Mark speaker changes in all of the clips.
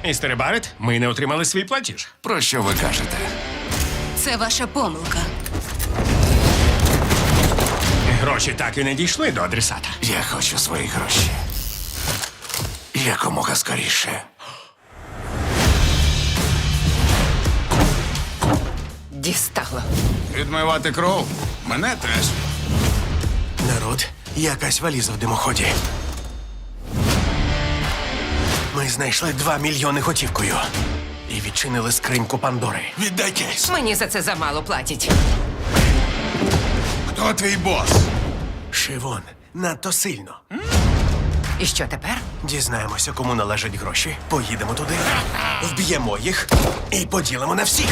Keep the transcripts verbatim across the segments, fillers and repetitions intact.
Speaker 1: Містере Барет, ми не отримали свій платіж.
Speaker 2: Про що ви кажете?
Speaker 3: Це ваша помилка.
Speaker 1: Гроші так і не дійшли до адресата.
Speaker 2: Я хочу свої гроші. Якомога скоріше.
Speaker 4: Дістало.
Speaker 2: Відмивати кров? Мене теж.
Speaker 5: Народ, якась валіза в димоході. Ми знайшли два мільйони готівкою. І відчинили скриньку Пандори.
Speaker 2: Віддай кейс.
Speaker 4: Мені за це замало платять.
Speaker 2: Хто твій бос?
Speaker 5: Шивон, надто сильно.
Speaker 4: І що тепер?
Speaker 5: Дізнаємося, кому належать гроші. Поїдемо туди, вб'ємо їх і поділимо на всіх.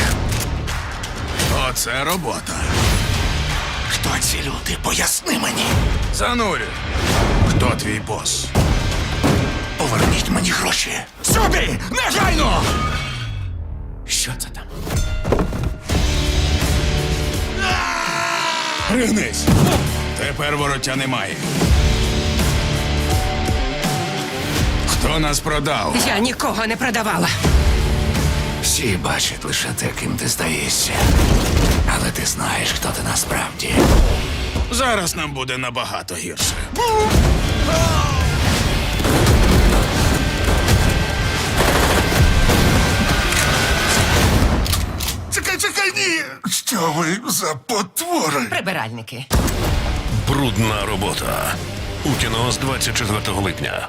Speaker 2: Оце робота. Хто ці люди? Поясни мені. Занурю. Хто твій бос? Поверніть мені гроші. Сюди! Негайно!
Speaker 5: Що це там?
Speaker 2: Пригнись! Тепер вороття немає. Хто нас продав?
Speaker 4: Я нікого не продавала.
Speaker 2: Всі бачать лише те, ким ти здаєшся. Але ти знаєш, хто ти насправді. Зараз нам буде набагато гірше. Чекай, чекай, ні! Що ви за потвори?
Speaker 4: Прибиральники.
Speaker 6: Брудна робота. У кіно з двадцять четвертого липня.